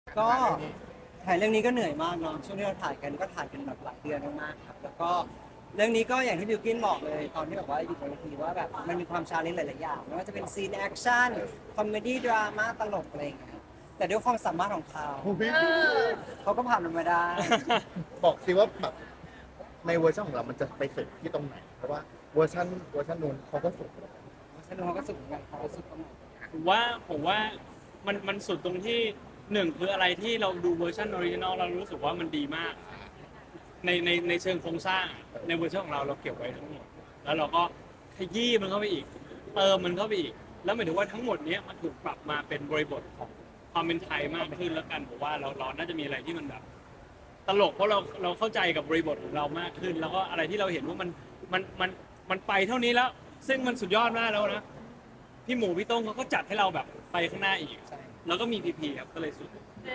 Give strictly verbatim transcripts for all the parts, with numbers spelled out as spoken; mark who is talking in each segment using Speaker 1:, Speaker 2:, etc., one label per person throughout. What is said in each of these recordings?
Speaker 1: ก็ถ่ายเรื่องนี้ก็เหนื่อยมากเนาะช่วงที่เราถ่ายกันก็ถ่ายกันแบบหลายเดือนมากๆครับแล้วก็เรื่องนี้ก็อย่างที่บิวกินบอกเลยตอนที่แบบว่าอยู่บนเวทีว่าแบบมันมีความชาเลนจ์หลายๆอย่างไม่ว่าจะเป็นซีนแอคชั่นคอมเมดี้ดราม่าตลกอะไรอย่างเงี้ยแต่ด้วยความสามารถของเขาเขาก็ผ่านมันมาได้
Speaker 2: บอกสิว่าแบบในเวอร์ชันของเรามันจะไปสุดที่ตรงไหน เพราะว่าเวอร์ชันเวอร์ชันนู้นเขาก็สุด
Speaker 1: สนุกเขาก็สุดเหมือนกันเขาก็สุดตรงไหน
Speaker 3: ผมว่าผมว่ามันมันสุดตรงที่หนึ่งคืออะไรที่เราดูเวอร์ชันออริจินอลเรารู้สึกว่ามันดีมาก ในในในเชิงโครงสร้างในเวอร์ชันของเราเราเก็บไว้ทั้งหมดแล้วเราก็ขยี้มันเข้าไปอีกเติมมันเข้าไปอีก แล้วหมายถึงว่าทั้งหมดเนี้ยมันถูกปรับมาเป็นบริบทของความเป็นไทยมากขึ้นแล้วกันผมว่าเราเราน่าจะมีอะไรที่มันแบบ ตลกเพราะเราเราเข้าใจกับบริบทของเรามากขึ้น แล้วก็อะไรที่เราเห็นว่ามันมันมันมันไปเท่านี้แล้ว ซึ่งมันสุดยอดมากแล้วนะพี่หมูพี่โต้งเขาก็จัดให้เราแบบไปข้างหน้าอีกแล้วก็มีพีพีครับก็เลยสุด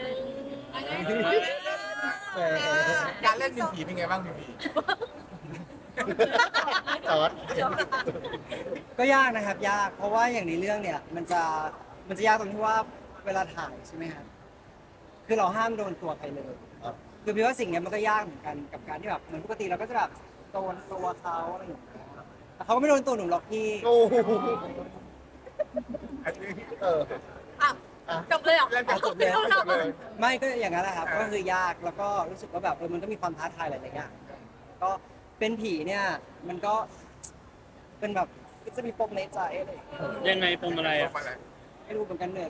Speaker 4: การเล่นเป็นผีเป็นไงบ้างพี่พี
Speaker 2: จอร์ด
Speaker 1: ก็ยากนะครับยากเพราะว่าอย่างในเรื่องเนี่ยมันจะมันจะยากตรงที่ว่าเวลาถ่ายใช่ไหมครับคือเราห้ามโดนตัวใครเลย คือพี่ว่าสิ่งเนี้ยมันก็ยากเหมือนกันกับการที่แบบเหมือนปกติเราก็จะแบบโดนตัวเขาอะไรอย่างเงี้ยแต่เขาก็ไม่โดนตัวหนูหรอกพี่
Speaker 2: โอ้โหเออ
Speaker 5: อ่ะจบเลยเหรอ
Speaker 4: เล่นจากจบเลย
Speaker 5: จบเลย
Speaker 1: ไม่ก็อย่างนั้นแหละครับก็คือยากแล้วก็รู้สึกว่าแบบเออมันก็มีความท้าทายหลายๆอย่างก็เป็นผีเนี่ยมันก็เป็นแบบก็จะมีปมในใจอะไรอย่างเงี้ย
Speaker 3: ยังไงปมอะไรอ่ะ
Speaker 1: ไม่รู้เหมือนกันเหนื่อย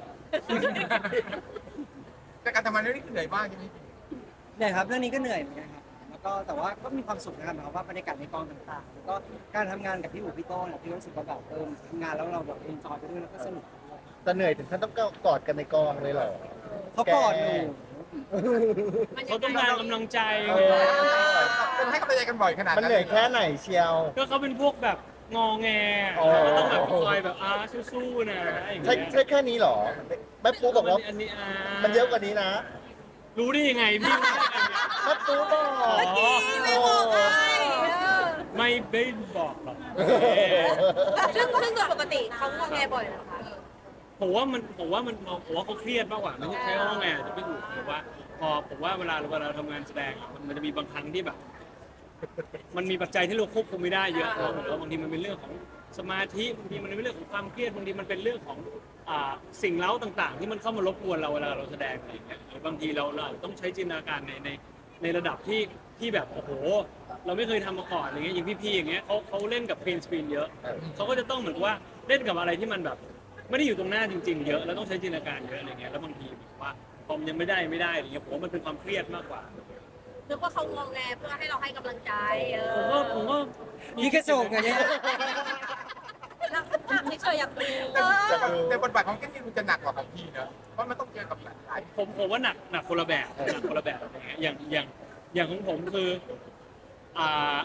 Speaker 4: แต่การทำงานเรื่องนี้เหนื่อยมากใช่ไหมพี่
Speaker 1: เหนื่อยครับเรื่องนี้ก็เหนื่อยเหมือนกันครับแล้วก็แต่ว่าก็มีความสุขนะครับหมายความว่าบรรยากาศในกองต่างๆแล้วก็การทำงานกับพี่อู๋พี่โต้เนี่ยพี่รู้สึกว่าแบบเออทำงานแล้วเราแบบเอนจอยไปด้วยแล้วก็สนุกไปด้วย
Speaker 2: แต่เหนื่อยถึงขั้นต้องกอดกันในกองเลยเหรอ
Speaker 1: เขากอดหนู
Speaker 3: เขาต้องการกำลังใจ
Speaker 2: เอ
Speaker 3: ไง
Speaker 2: อ
Speaker 4: ต้องให้กำลังใจกันบ่อยขนาด
Speaker 2: มันเหนื่อยแค่ไหนเชียว
Speaker 3: ก็เขาเป็นพวกแบบงอแง
Speaker 2: อ๋อ
Speaker 3: ก็ต้องแบบคอยแบบอ่าสู้ๆนะอย่าง
Speaker 2: ใช่
Speaker 3: เงี้ย
Speaker 2: ใช่แค่นี้เหรอแม่ปูบอกว่า
Speaker 3: อันนี้อ่า
Speaker 2: มันเยอะกว่านี้นะ
Speaker 3: รู้ได้ยังไงพี่รู้ได้ยังไง
Speaker 2: แม่ปูบอก
Speaker 5: เมื่อกี้ไม่บอกไงเออ
Speaker 3: ไม่ได้บอกหรอก
Speaker 5: ซึ่งซึ่งโดยปกติเขางอแงบ่อยนะคะ
Speaker 3: ผมว่ามันผมว่ามันผมว่าเขาเครียดมากกว่าไม่ใช่ใช้คำว่าไงอาจจะไม่ถูกผมว่าพอผมว่าเวลาเวลาเราทำงานแสดงอะมันมันจะมีบางครั้งที่แบบ มันมีปัจจัยที่เราควบคุมไม่ได้เยอะเนอะเหมือนว่าบางทีมันเป็นเรื่องของสมาธิบางทีมันเป็นเรื่องของความเครียดบางทีมันเป็นเรื่องของอ่าสิ่งเล้าต่างๆ ที่มันเข้ามารบกวนเราเวลาเราแสดงอะไรอย่างเงี้ยหรือบางทีเราเราอาจจะต้องใช้จินตนาการในในในระดับที่ที่แบบโอ้โห เราไม่เคยทำมาก่อนอะไรเงี้ยอย่างพี่ๆอย่างเงี้ยเขาเขาเล่นกับเพนสกรีนเยอะเขาก็จะต้องเหมือนกับว่าเล่นกับอะไรที่มันแบบ ไม่ได้อยู่ตรงหน้าจริงๆเยอะแล้วต้องใช้จินตนาการเยอะอะไรเงี้ยแล้วบางทีแบบว่าพอมนยังไม่ได้ไม่ได้อะไรเงี้ยผมว่ามันเป็นความเครียดมากกว่า
Speaker 5: นึกว่าเขางอแงเพื่อให้เราให้กำลังใจเอ
Speaker 3: ผม
Speaker 5: อ
Speaker 3: ก็ผมก็
Speaker 1: พี่กระโจกไงเนี่ย
Speaker 5: นักนักเฉยๆอยากดู
Speaker 4: แต่แต่แต่บทบาทของแก้มนี่มันจะหนักกว่าของพี่เนอะเพราะมันต้องเจอกับหลาย
Speaker 3: ผมผมว่าหนักหนักคนละแบบหนักคนละแบบอะไรเงี้ยอย่างอย่างอย่างของผมคืออ่า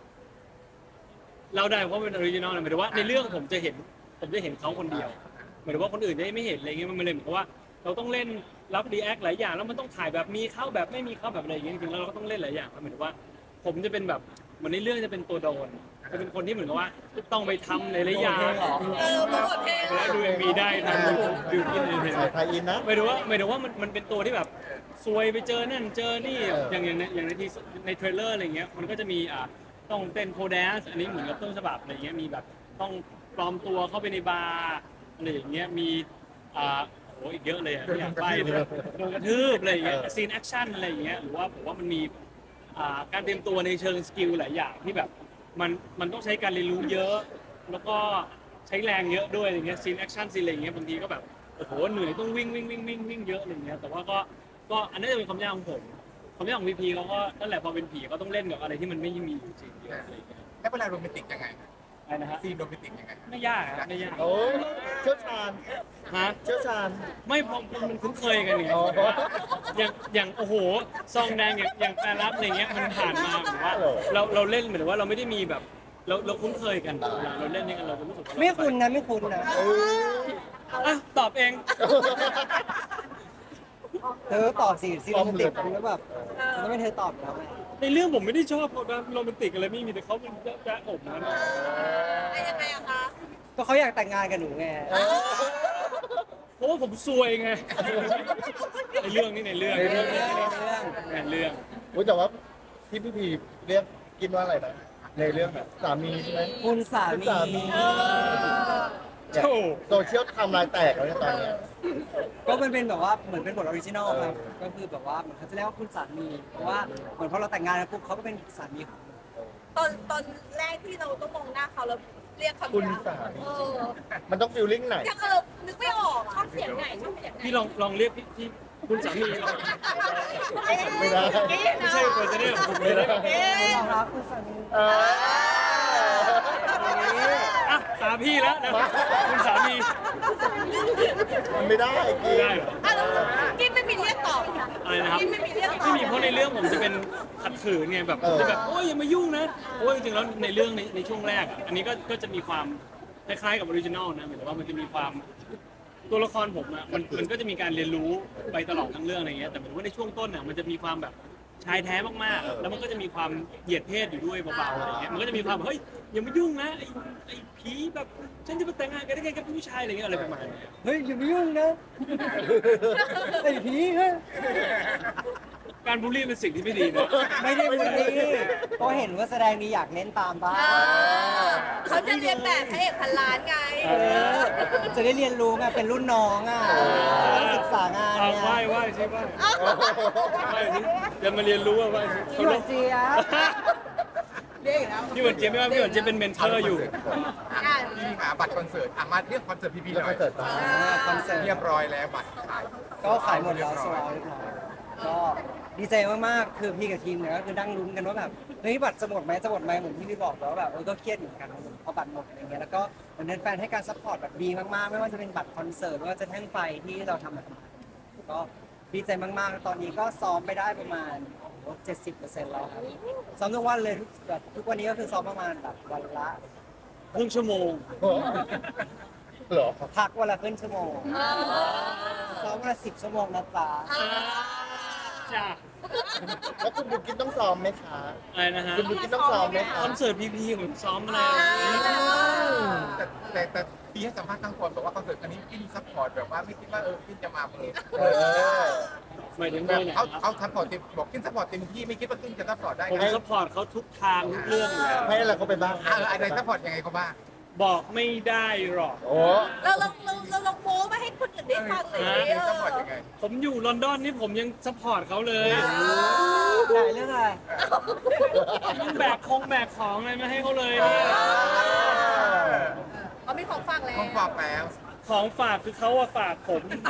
Speaker 3: เราได้เพราะเป็นออริจินอลนะหมายถึงว่าในเรื่องผมจะเห็นผมจะเห็นเขาคนเดียวหมายถึงว่าคนอื่นจะไม่เห็นอะไรเงี้ยมันเลยเหมือนกับว่า เราต้องเล่นรับรีแอคหลายอย่างแล้วมันต้องถ่ายแบบมีเข้าแบบไม่มีเข้าแบบอะไรอย่างเงี้ยจริงๆแล้วเราก็ต้องเล่นหลายอย่างหมายถึงว่า ผมจะเป็นแบบเหมือนในเรื่องจะเป็นตัวโดนจะเป็นคนที่เหมือนกับว่าต้องไปทำหลายๆอย่าง
Speaker 5: เออโปรโมทเพลง
Speaker 3: แล้วดูเอ็มวีได้ทำดูดูกินเห็น
Speaker 2: สายไทยอินนะ
Speaker 3: หมายถึงว่าหมายถึงว่ามันมันเป็นตัวที่แบบซวยไปเจอนั่นเจอนี่อย่างอย่างในอย่างในทีในเทรลเลอร์อะไรเงี้ยมันก็จะมีอ่าต้องเต้นโคแดนซ์อันนี้เหมือนกับต้นฉบับอะไรเงี้ยมีแบบต้องปลอมตัวเข้าไปในบาร์อะไรอย่างเงี้ยมีอ่าโอ้อีกเยอะเลยอะไม่อยากไปเลยโดนกระทืบอะไรอย่างเงี้ยซีนแอคชั่นอะไรอย่างเงี้ยหรือว่าผมว่ามันมีอ่าการเตรียมตัวในเชิงสกิลหลายอย่างที่แบบมันมันต้องใช้การเรียนรู้เยอะ แล้วก็ใช้แรงเยอะด้วยอะไรเงี้ยซีนแอคชั่นซีนอะไรอย่างเงี้ยบางทีก็แบบโอ้โหเหนื่อยต้องวิ่งวิ่งวิ่งวิ่งวิ่งเยอะอะไรเงี้ยแต่ว่าก็ก็อันนี้จะเป็นความยากของผมความยากของพีพีเขาก็นั่นแหละพอเป็นผีก็ต้องเล่นกับอะไรที่มันไม่มีอยู่จริงเยอะอะไรเงี้ย
Speaker 4: ๆแล้วเวลาโรแมนติกยังไง
Speaker 3: อะไรนะฮะ
Speaker 4: ซีนโรแมนติกยังไง
Speaker 3: ไม่ยากครับไม่ยาก
Speaker 2: โอ้เชี่ยวชาญ
Speaker 3: ฮะ
Speaker 2: เชี่ยวชาญ
Speaker 3: ไม่พอมันคุ้นเคยกันเนี่ย
Speaker 2: อ๋อ
Speaker 3: อย่างอย่างโอ้โหซองแดงอย่างอย่างแปรรับอะไรเงี้ยมันผ่านมาเหมือนว่าเราเราเล่นเหมือนว่าเราไม่ได้มีแบบเราเราคุ้นเคยกันเวลาเราเล่นนี่กันเราจะรู้สึกว่า
Speaker 1: ไม่คุณนะไม่คุณนะ
Speaker 2: เออ
Speaker 3: อ่ะตอบเอง
Speaker 1: เธอตอบสิซีโรแมนติกแล้วแบบแล้วไม่เธอตอบแล้วไง
Speaker 3: ในเรื่องผมไม่ได้ชอบเขานะโรแมนติกอะไรไม่มีแต่เขาเป็นแจ๊ะผมนะ
Speaker 5: ไอ้ยังไงอะคะ
Speaker 1: ก็เขาอยากแต่งงานกับหนูไง
Speaker 3: เพราะว่าผมซวยไงในเรื่องนี่ในเรื่อง
Speaker 1: ในเรื่องในเรื่อง
Speaker 3: ในเรื่อง
Speaker 2: อุ้ยแต่ว่าที่พี่พีเรียกกินว่าอะไรนะในเรื่องแบบสามีใช่ไหม
Speaker 1: คุณสามี
Speaker 2: สามี
Speaker 3: โธ่
Speaker 2: โซเชียลทำลายแตกแล้วเนี่ยตอนเนี้ย
Speaker 1: ก็มันเป็นแบบว่าเหมือนเป็นบทออริจินอลครับ ก็คือแบบว่าเหมือนเขาจะเรียกว่าคุณสามี เพราะว่าเหมือนพอเราแต่งงานกันปุ๊บเขาก็เป็นสามีของเรา
Speaker 5: ตอนตอนแรกที่เราต้องมองหน้าเขาแล้วเรียกคำ
Speaker 2: คุณ
Speaker 5: เนี้ย
Speaker 2: สามี
Speaker 5: เออ
Speaker 2: มันต้องฟิลลิ่งไหน
Speaker 5: ยังเออนึกไม่ออกชอบเสียงไหนชอบเสียงไหน
Speaker 3: พี่ลองลองเรียกพี่พี่คุณสามีลอง
Speaker 2: ไม่ได้
Speaker 3: ไม่ใช่ควรจะเรียกผมเลยนะ
Speaker 5: เอ๊ะ
Speaker 1: เรารักคุณสามี
Speaker 2: เออ
Speaker 3: อ่ะตามพี่แล้วนะคุณสามี
Speaker 2: มันไม่ได้กิน
Speaker 3: ได้เหรอ
Speaker 5: อ่ะแล้วกินไม่มีเรียกต่อ
Speaker 3: อะไรนะครับ
Speaker 5: กินไม่มีเรียกต่อ
Speaker 3: ไม่มีเพราะในเรื่องผมจะเป็นขัดขืนไงแบบจะแบบโอ้ยอย่ามายุ่งนะโอ้ยจริงๆแล้วในเรื่องในในช่วงแรกอ่ะอันนี้ก็ก็จะมีความคล้ายๆกับออริจินอลนะหมายถึงว่ามันจะมีความตัวละครผมอ่ะมันมันก็จะมีการเรียนรู้ไปตลอดทั้งเรื่องอะไรเงี้ยแต่หมายถึงว่าในช่วงต้นอ่ะมันจะมีความแบบชายแท้มากๆแล้วมันก็จะมีความเหยียดเพศอยู่ด้วยเบาๆอะไรเงี้ยมันก็จะมีความเฮ้ยอย่ามายุ่งนะไอ้ไอ้ผีแบบฉันจะมาแต่งงานกันได้ไงกับผู้ชายอะไรเงี้ยอะไรประมาณเนี้ย
Speaker 1: เฮ้ยอย่าไปยุ่งนะไอ้ผีเฮ้ย
Speaker 3: การบูลลี่เป็นสิ่งที่ไม่ดีนะ
Speaker 1: ไม่ได้บูลลี่ก็เห็นว่าแสดงดีอยากเล่นตามบ้าง
Speaker 5: อ่าเขาจะเรียนแบบพระเอกพันล้านไง
Speaker 1: เออจะได้เรียนรู้ไงเป็นรุ่นน้องอ่ะต้องศึกษางาน
Speaker 3: เอา
Speaker 1: เนี่ย
Speaker 3: ไหว้ไหว้ใช่ไหว้ไหว้สิจะมาเรียนรู้ว่าไหว้สิ
Speaker 1: พี่หวานเจี๊ยบ
Speaker 5: เรียกอีกแล้ว
Speaker 3: พี่หวันเจี๊ยบไม่ว่าพี่หวันเจี๊ยบเป็นเมนเทอร์อยู่
Speaker 5: อ่ะ
Speaker 4: พี่หาบัตรคอนเสิร์ตอ่ะมาเรื่องคอนเสิร์ตพี่พีห
Speaker 2: แล้ว
Speaker 4: น่
Speaker 2: ก็
Speaker 4: อย
Speaker 2: เกิดตา
Speaker 1: อ่าคอนเสิร์ต
Speaker 4: เรียบร้อยแล้วบัตรขาย
Speaker 1: ก็ขายหมดแล้วสวอเรียบร้อยก็ดีใจมากๆ คือพี่กับทีมเนี่ยก็คือนั่งลุ้นกันว่าแบบเฮ้ยบัตรจะหมดไหมจะหมดไหมเหมือนที่พี่บอกแล้วาแบบเออก็เครียดเหมือนกันเพราะบัตรหมดอะไรเงี้ยแล้วก็เหมือนแฟนๆให้การซัพพอร์ตแบบดีมากๆ ไม่ว่าจะเป็นบัตรคอนเสิร์ตไม่ว่าจะแท่งไฟที่เราทำแบบก็ดีใจมากๆ ตอนนี้ก็ซ้อมไปได้ประมาณเจ็ดสิบเปอร์เซ็นต์แล้วครับซ้อมทุกวันเลยทุกแบบทุกวันนี้ก็คือซ้อมประมาณแบบวันละ
Speaker 3: ครึ่งชั่วโมง
Speaker 2: เหรอ
Speaker 1: พักวันละครึ่งชั่วโมง
Speaker 5: เออ
Speaker 1: ซ้อมวันละสิบชั่วโมงนะจ๊ะ
Speaker 3: จ้า
Speaker 2: แล้วคุณบุกินต้องซ้อมไหมคะ
Speaker 3: อะไรนะฮะ
Speaker 2: คุณบุกินต้องซ้อมไหมคะ
Speaker 3: คอนเสิร์ตพีพีผมซ้อมอะไร
Speaker 4: แต่แต่แต่พี่ให้สัมภาษณ์ข้างคนบอกว่าคอนเสิร์ตอันนี้พี่ซัพพอร์ตแบบว่าไม่คิดว่าเออพี่จะมาเปิด
Speaker 2: เออ
Speaker 3: หมายถึง
Speaker 4: แบ
Speaker 3: ด้
Speaker 4: บ
Speaker 3: วยไหน
Speaker 4: เขาเขาซัพพอร์ตเต็มบอกขึ้นซัพพอร์ตเต็มที่ไม่คิดว่าขึ้นจะซัพพอร์ตได้
Speaker 3: ผม
Speaker 4: ไง
Speaker 3: สปอร์ตเขาทุกทางทุกเรื่องอยู่แล้ว
Speaker 2: ให้อะไรเขาไปบ้าง
Speaker 4: อ่ะอะไรซัพพอร์ตยังไงเขาบ้าง
Speaker 3: บอกไม่ได้หรอก
Speaker 2: โอ้
Speaker 5: เราลองเราเราลองโม้มาให้คนอื่นได้ฟังหน่อยดิ
Speaker 4: เออซัพพอร์ตยังไง
Speaker 3: ผมอยู่ลอนดอนนี่ผมยังสปอร์ตเขาเลย
Speaker 1: ไหนเรื่องอะไร
Speaker 3: ยังแบกคงแบกของอะไรมาให้เขาเลยเนี่ย
Speaker 5: เขามีของฟังแล้ว
Speaker 4: ต้องฝากแล้ว
Speaker 3: ของฝากคือเขาอะฝากผม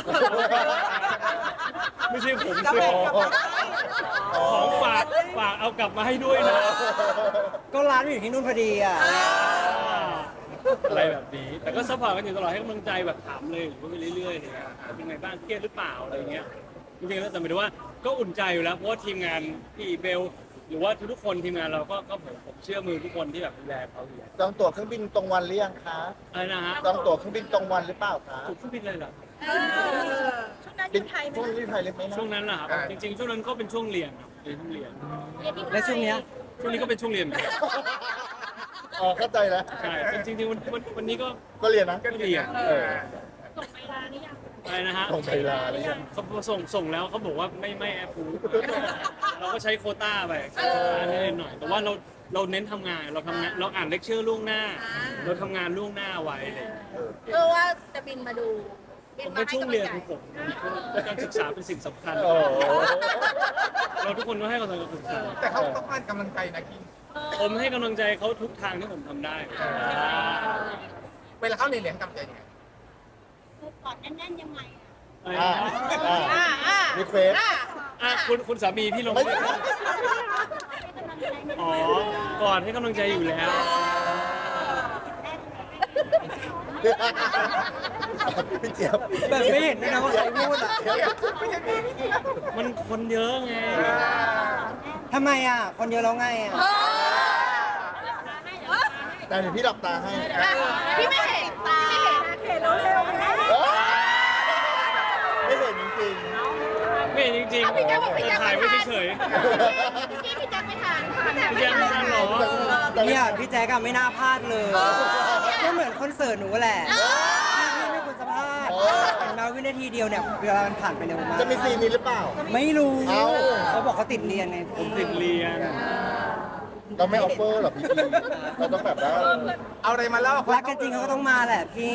Speaker 3: ไม่ใช่ผม
Speaker 1: กลับ
Speaker 3: ซื้
Speaker 1: ไป
Speaker 3: อก
Speaker 1: ลับไป
Speaker 3: ของฝากฝากเอากลับมาให้ด้วยนะ
Speaker 1: ก็ร้านมันอยู่ที่นู่นพอดีอ่ะ
Speaker 3: อะไรแบบนี้ แต่ก็ซัพพอร์ตกันอยู่ตลอดให้กำลังใจแบบถามเลยหรือว่าไปเรื่อยๆอะไรเงี้ยเป็นไงบ้างเครียดหรือเปล่าอะไรเงี้ยจริงๆแล้วแต่หมายถึงว่าก็อุ่นใจอยู่แล้วเพราะว่าทีมงานพี่เบลหรือว่าทุกๆคนทีมงานเราก็ก็ผมผมเชื่อมือทุกคนที่แบบดูแลเขาอยู่แล้ว
Speaker 2: จองตั๋วเครื่องบินตรงวันหรือยังคะ
Speaker 3: อะไรนะฮะ
Speaker 2: จองตั๋วเครื่องบินตรงวันหรือเปล่าคะ
Speaker 3: ถูกขึ้นบินเลยเหรอ
Speaker 5: เออช่วงนั้นอยู่ไทยไหม
Speaker 2: ช่วงนี้ไทยเล็กไหมนะ
Speaker 3: ช่วงนั้นแหละครับจริงๆช่วงนั้นก็เป็นช่วงเรียนครับเรียนช่วงเรียน
Speaker 5: เรียนที่ไทย
Speaker 1: และช่วงเนี้ย
Speaker 3: ช่วงนี้ก็เป็นช่วงเรียนเหมือนกัน
Speaker 2: อ๋อเข้าใจแล้ว
Speaker 3: ใช่จริงๆวันวันวันนี้ก็
Speaker 2: ก็เรียนนะ
Speaker 3: ก็เรียน
Speaker 2: เออ
Speaker 3: อะไรนะฮะ
Speaker 2: ส่งไปลาหรือยัง
Speaker 3: เขาส่งส่งแล้วเขาบอกว่าไม่ไม่แอปพูเราก็ใช้โควต้าไปนิดหน่อย แต่ว่าเราเราเน้นทำงานเราทำงานเราอ่านเลคเชอร์ล่วงหน้า เราทำงานล่วงหน้าไว้เลย
Speaker 5: เออว่าจะบินมาดูบิ
Speaker 3: ผ
Speaker 5: น
Speaker 3: ม
Speaker 5: มา
Speaker 3: ว่า
Speaker 5: ให้
Speaker 3: ช่วง
Speaker 5: กำลั
Speaker 3: เรี
Speaker 5: ง
Speaker 3: ยน
Speaker 5: ใจ
Speaker 3: ของผมการศึกษาเป็นสิ่งสำคัญ
Speaker 2: โอ้
Speaker 3: เราทุกคนต้องให้กำลังใจศึกษา
Speaker 4: แต่เขาต้องการกำลังใจนะกิน
Speaker 3: ผมให้กำลังใจเขาทุกทางที่ผมทำได้
Speaker 4: เวลาเขาเรียนเรียนกำลังใจยังไง
Speaker 5: กอดแน่นๆยังไง
Speaker 3: อะไร
Speaker 2: อ่า
Speaker 3: นะ
Speaker 2: อ่า
Speaker 5: อ่าอ่า
Speaker 2: รีเควส
Speaker 5: อ่า
Speaker 3: อ่ะคุณคุณสามีพี่ลง
Speaker 2: ไม่
Speaker 3: อ๋อก่อนให้กำลังใจอยู่แล้ว
Speaker 2: พี่เจี๊ยบ
Speaker 1: แบบไม่เห็นด้วยนะว่าใครพูดอ่ะ
Speaker 3: มันคนเยอะไง
Speaker 1: ทำไมอ่ะ คนเยอะแล้วไงอ่ะ
Speaker 5: เออ
Speaker 2: แต่เดี๋ยวพี่หลับตาให้
Speaker 5: พี่ไม่เห็นตาพี่ไม่เห็นเร็วๆนะ
Speaker 2: ไม่เห็นจริง
Speaker 3: ไม่เห็นจริง
Speaker 5: เอาพี่แจ๊คบอกพี่แจ๊ค
Speaker 3: ถ่ายไว้
Speaker 5: ไม่ทัน
Speaker 3: เฉย
Speaker 5: พี่พี่แจ๊คไม่ทัน
Speaker 3: พี่แจ๊คไม่ทันหรอ
Speaker 2: ๆแต่
Speaker 1: เนี่ยพี่แจ๊กอะไม่น่าพลาดเลยก็เหมือนคอนเสิร์ตหนูแหละพี่ไม่ควรจะพลาดเห็นไหมนะวินาทีเดียวเนี่ยเวลามันผ่านไปเร็วมาก
Speaker 2: จะมีซีนนี้หรือเปล่า
Speaker 1: ไม่รู้
Speaker 2: เอ้า
Speaker 1: เขาบอกเขาติดเรียนไง
Speaker 3: ผมติดเรียน
Speaker 2: เราไม่ออฟเฟอร์หรอพี่พีเราต้องแบบว่า
Speaker 4: เอาอะไรมาเล่า
Speaker 1: รักกันจริงเขาก็ต้องมาแหละพี่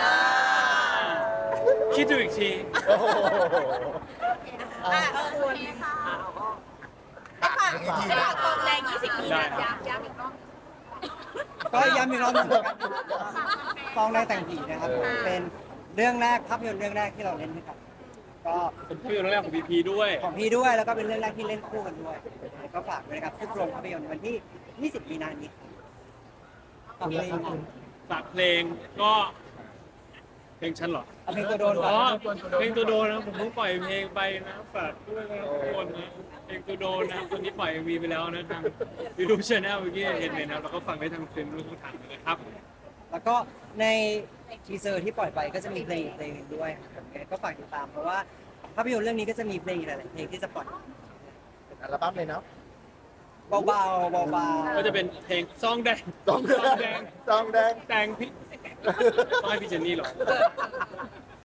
Speaker 3: คิดดูอีกที
Speaker 2: โอ้โห
Speaker 5: อ่ะเออคุณให้ฝากให้ฝากกองแรงยี่สิบปีนะย้ำย้ำอีกรอบ
Speaker 1: ก็ย้ำอีกรอบหนึงนะครับฟองแดงแต่งผีนะครับ เป็นเรื่องแรกภาพยนตร์เรื่องแรกที่เราเล่นด้วยกันก็
Speaker 3: เป็นเพื่อนแรกของพีพีด้วย
Speaker 1: ของพี่ด้วยแล้วก็เป็นเรื่องแรกที่เล่นคู่กันด้วยก็ฝากด้วยนะครับทุกโรงภาพยนตร์วันที่ยี่สิบมีนาคมนี้ฝากเพลง
Speaker 3: ฝากเพลงก็เพลงฉันเหรอ
Speaker 1: เอาเพลงตัวโดนก่
Speaker 3: อ๋
Speaker 1: อ
Speaker 3: อน เพลงตัวโดนนะผมเพิ่งปล่อยเพลงไปนะฝากด้วยนะทุกคนนะเพลงตัวโดนนะตอนนี้ปล่อยมีไปแล้วนะทางยูทูบช anel เมื่อกี้เห็นเลยนะแล้วก็ฟังได้ทางเพลงรูปทุกทางเลยครับ
Speaker 1: แล้วก็ในทีเซอร์ที่ปล่อยไปก็จะมีเพลงอีกเพลงหนึ่งด้วยครับก็ฝากติดตามเพราะว่าภาพยนตร์เรื่องนี้ก็จะมีเพลงอีกหลายๆเพลงที่จะปล่อย
Speaker 2: เป็นอัลบั้มเลยเนาะ
Speaker 1: เบาๆเบาๆ
Speaker 3: ก็จะเป็นเพลงซองแดง
Speaker 2: ซองแดงซองแดง
Speaker 3: แดงพี่ต้องให้พี่เจนนี่หรอ